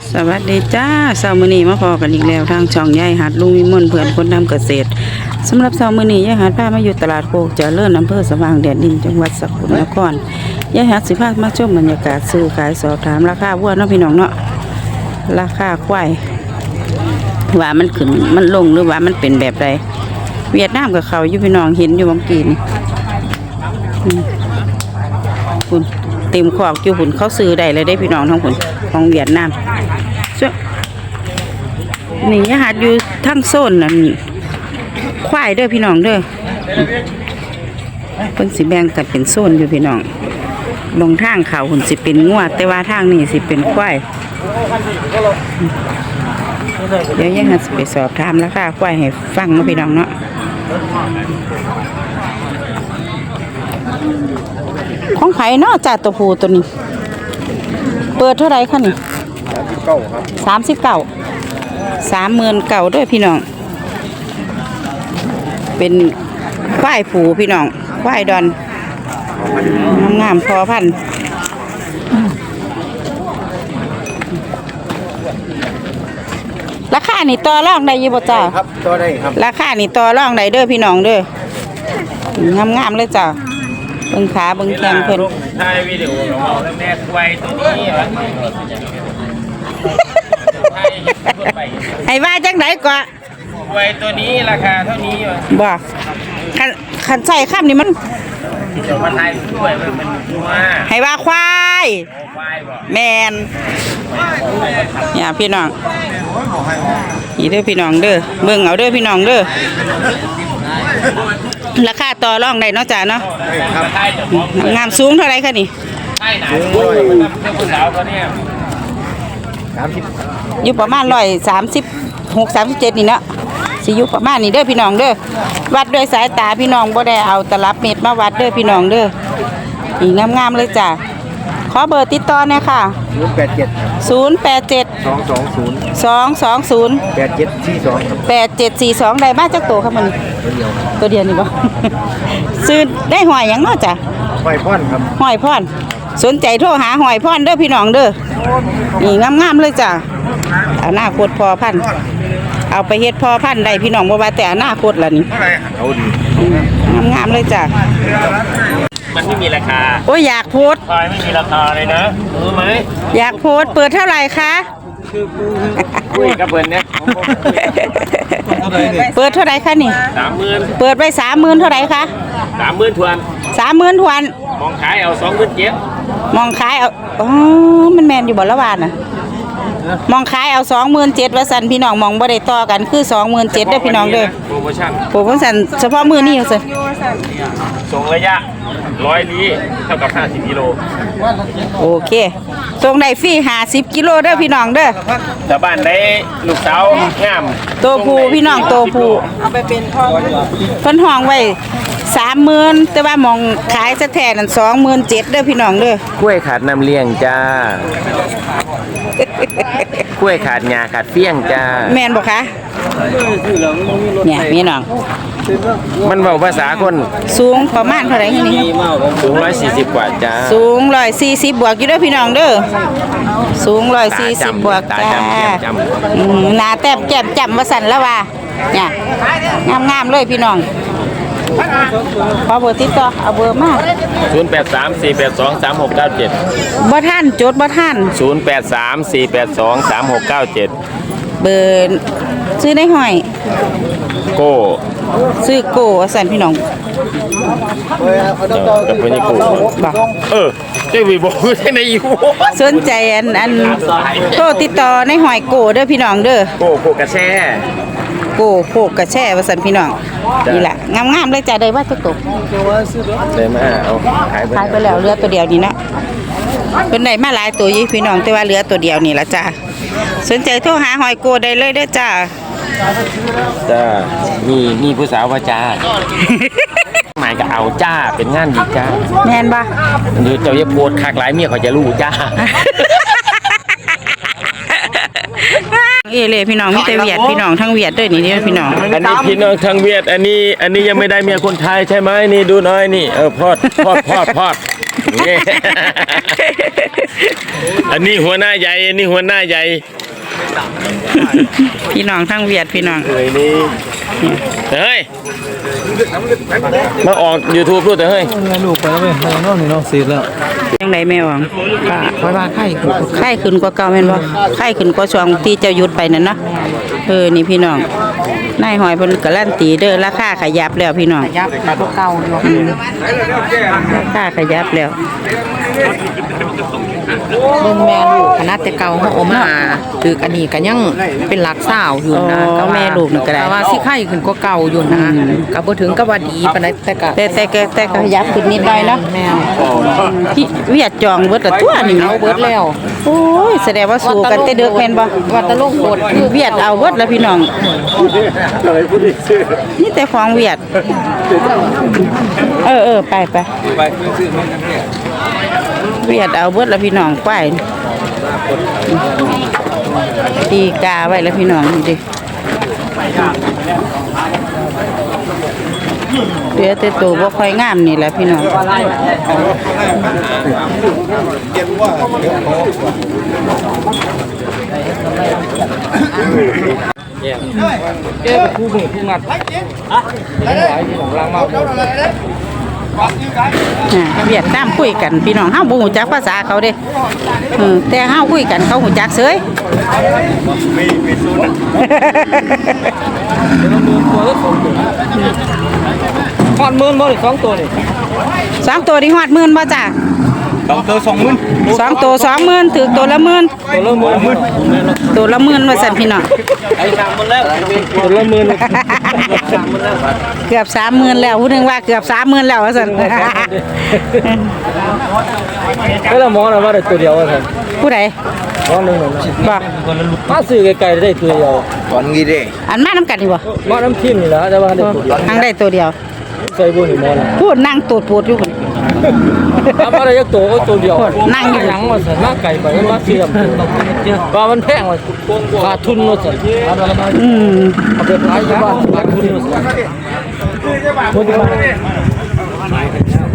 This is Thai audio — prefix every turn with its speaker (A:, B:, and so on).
A: สวัสดีจ้าเช้ามื้อนี้มาพอกันอีกแล้วทางช่องยายหัดลุงวิมลเพื่อนคนทำเกษตรสำหรับเช้ามื้อนี้ยายหัดพามาอยู่ตลาดโคกเจริญอำเภอสว่างแดนดินจังหวัดสกลนครยายหัดสิพามาชมบรรยากาศซื้อขายสอบถามราคาวัวเนาะพี่น้องเนาะราคาควายว่ามันขึ้นมันลงหรือว่ามันเป็นแบบใดเวียดนามกับเขาอยู่พี่น้องเห็นอยู่บางกีนี่คุณเต็มขอกอยู่หุ่นเขาซื้อได้เลยได้พี่น้องทั้งหุ่นของเวียดนามนี่ยายหัดอยู่ทั้งโซนนั่นควายเด้อพี่น้องเด้อเพิ่นสิแบ่งกันเป็นโซนอยู่พี่น้องลงทางเขาหุ่นสิเป็นงัวแต่ว่าทางนี้สิเป็นควายเดี๋ยวยายหัดสิไปสอบถามราคาควายให้ฟังเนาะพี่น้องเนาะของไผเนาะจ่าตัวผู้ตัวนี้เปิดเท่าไรคะนี่39,000ด้วยพี่น้องเป็นควายผูพี่น้องควายดอนงามพอพันราคานี่ต่อรองได้อยู่บ่จ้าครับต่อได้ครับราคานี่ต่อรองได้เด้อพี่น้องเด้องามเลยจ้าเบิ่งขาเบิ่งแข้งเพิ่นถ่ายวิดีโอของเราแล้วแม่ควายตัวนี้วะไอ้ว่าจังไดกว่าควายตัวนี้ราคาเท่านี้วะบ่คันใส่ข้ามนี่มันเดี๋ยวมาถ่ายด้วยมันว่าให้ว่าควายแมนเนี่ยพี่น้องนี่เด้อพี่น้องเด้อเบิ่งเอาเด้อพี่น้องเด้อราคาต่อรองได้เนาะจ้าเนาะงามสูงเท่าไรคะนี่อยู่ประมาณ136-37นี่เนาะสิอยู่ประมาณนี้เด้อพี่น้องเด้อวัดด้วยสายตาพี่น้องบ่ได้เอาตลับเม็ดมาวัดเด้อพี่น้องเด้อนี่งามๆเลยจ้าขอเบอร์ติดต่อหน่อยค่ะ087 220 8742ได้มาจากตัวครับมันตัวเดียวนี่บ่ซื้อได้หอยหยังเนาะจ้ะหอยพ่อนครับหอยพ่อนสนใจโทรหาหอยพ่อนเด้อพี่น้องเด้อนี่งามๆเลยจ้ะอนาคตพอพันเอาไปเฮ็ดพอพันได้พี่น้องบ่ว่าแต่อนาคตล่ะนี่เอาดีงามๆเลยจ้ะ
B: มันไม่มีราคา
A: โอ้ยอยากโพส
B: ควายไม่มีราคาเลยนะรู้ไหม
A: อยากโพสเปิดเท่าไหร่คะ
B: คุยกับเพื่อนเนี่ย
A: เปิดเท่าไหร่คะนี่
B: 30,000
A: เปิดไป30,000เท่าไหร่คะ
B: 30,000 ทวน
A: 30,000 ทวน
B: มองขายเอา27,000
A: มองขายเอาอ๋อมันแมนอยู่บ่ละวานน่ะมองขายเอา27,000ว่าซั่นพี่น้องมองบ่ได้ต่อกันคือ27,000เด้อพี่น้องเด้อ
B: โปรโม
A: ชั่นเฉพาะมื้อนี้ว่าซั่น
B: ส่งระยะ100ลี้เท่ากับ50 กิโล
A: โอเคส่งได้ฟรี50 กิโลเด้อพี่น้องเด้อ
B: ชาวบ้านได้ลูกสาวงาม
A: ตัวผู้พี่น้องตัวผู้เอาไปเป็นทองเพิ่นห้องไว้30,000แต่ว่ามองขายซะแท้นั่น27,000เด้อพี่น้องเด้อก
B: ล้วยขาดน้ำเลี้ยงจ้า กล้วยขาดหญ้าขาดเฟี้ยงจ้า
A: แม่นบ่คะเนี่ยพี่น้อง
B: มันเว้าภาษาคน
A: สูงประมาณเท่าไหร่นี่
B: สูง140กว่าจ้า
A: สูง140บวกอยู่เด้อพี่น้องเด้อสูง140บวกจ้าหน้าแต้มแก้มจำว่าสั่นแล้วว่าเนี่ยงามๆเลยพี่น้องขอเบอร์ติดต่อเอาเบอร์มา
B: 0834823697
A: บ่ทันจดบ่ทัน
B: 0834823697
A: เบอร์ซื้อได้หอย
B: โก้
A: ซื้อโก้สั่นพี่น้อง
B: กับเป็นโก้
A: บ่
B: เจ้าวีบอกที่ไหนอยู่
A: สนใจอันโทรติดต่อในหอยโก้เด้อพี่น้องเด้อ
B: โก้กระแช่
A: โก้โคกกระแช่ว่าซั่นพี่น้องนี่แหละงามๆเลยจ้ะได้ว่าจะตก
B: ได้มาเอา
A: ขายไปแล้วเหลือตัวเดียวนี่นะเพิ่นได้มาหลายตัวอยู่พี่น้องแต่ว่าเหลือตัวเดียวนี่ล่ะจ้ะสนใจโทรหาหอยโก้ได้เลยเด้อจ้า
B: มีผู้สาวว่าจ้าหมายก็เอาจ้าเป็นงานดีจ้า
A: แม่นบ่
B: หรือเจ้าอย่าโพดคักหลายเมียเขาจะรู้จ้า
A: เลยพี่น้องมีแต่เวียดพี่น้องทั้งเวียดด้วยนี่พี่น้อง
B: อันนี้พี่น้องทั้งเวียดอันนี้ยังไม่ได้เมียคนไทยใช่ไหมนี่ดูน้อยนี่พอดนี่อันนี้หัวหน้าใหญ่อันนี้หัวหน้าใหญ่
A: พี่น้องทั้งเวียดพี่น้อง
B: เฮ้ยนี่เฮ้ยมาออก YouTube ด้วยแต่เฮ้ย
C: ลูกไปแล้วเว้ยน้องนี่น้องสีแล้ว
A: ยังไงแม่หวัง
C: คอยว่าไข่
A: ไข้ขึ้นกว่าเก่าแม่นบ่ไข้ขึ้นกว่าช่วงที่เจ้าหยุดไปนั่นเนาะนี่พี่น้องนายหอยเพิ่นการันตีเด้อราคาขยับแล้วพี่น้อง
C: ยับมาพวกเก่าอยู่
A: ราคาขยับแล้ว
C: เบิ่งแม่ลูกคณะแต่เก่าเฮาเอามาถืออันนี้ก็ยังเป็นหลักสาวอยู่นะ
A: อ๋อแม่ลูกนี่ก็ได้
C: แต่ว่าสิไข่ขึ้นกว่าเก่าอยู่นะก็บ่ถึงกับว่าดีปานใดแต่ก็
A: แต่ก็ขยับขึ้นนิดหน่อยเนาะ
C: แม่
A: ที่เวียดจองเบิดละตัวนี่
C: เอาเบิดแล้ว
A: โอ้ยแสดงว่าสู้กันแต่เด็กแม่นบ่
C: วัดตะลงโกด
A: คือเวียดเอาเบิดแล้วพี่น้องนี่แต่ของเวียดไปเวียดเอาเบิดแล้วพี่น้องไปตีกาไว้แล้วพี่น้องนี่ดิเดี๋ยวแต่ตัวบ่ค่อยงามนี่แหละพี่น้องเวียดนามคุยกันพี่น้องเฮาบ่ฮู้จักภาษาเขาเด้แต่เฮาคุยกันเขาฮู้จักเสย
C: ฮอด10,000บ่นี่2ตัวนี่
A: สองตัวนี่ฮอดหมื่นบ่จ้ะ
C: 2ตัว20,000
A: สองตัว20,000ถือตัวละหมื่น
C: ตัวละ10,000
A: ตัวละหมื่นว่าซั่นพี่น้อง
C: ไอ้3,000แล้วตัวละ10,000
A: เกือบ30,000แล้วผู้หนึงว่าเกือบ30,000แล้วว่าซั่น
C: เฮ้ยแล้วหมอน่ะว่าได้ตัวเดียวว่าซั่น
A: ผู้ใด
C: หมอนึงน่ะ
A: บ่
C: มาซื้อไกลๆได้ตัวเดียว
A: อันมานํกันนี่บ่
C: หมอน้ำทิ่มนี่ล่ะแต่ว่าได้ตัวเดียว
A: ทางได้ตัวเดียว
C: ใส่บ่นี่หมอน่ะ
A: พูดนั่งตูดปูดอยู่พุ่น
C: เอามาได้จักตัวก็ตัวเดียว
A: นั่งอยู่
C: หยังว่าซั่นมาไกลไปมาเสื่อมว่ามันแพงว่าขาดทุนว่าซั่น
A: อืม
C: เอาไปขายอยู่บ้านขาดทุนว่าซั่น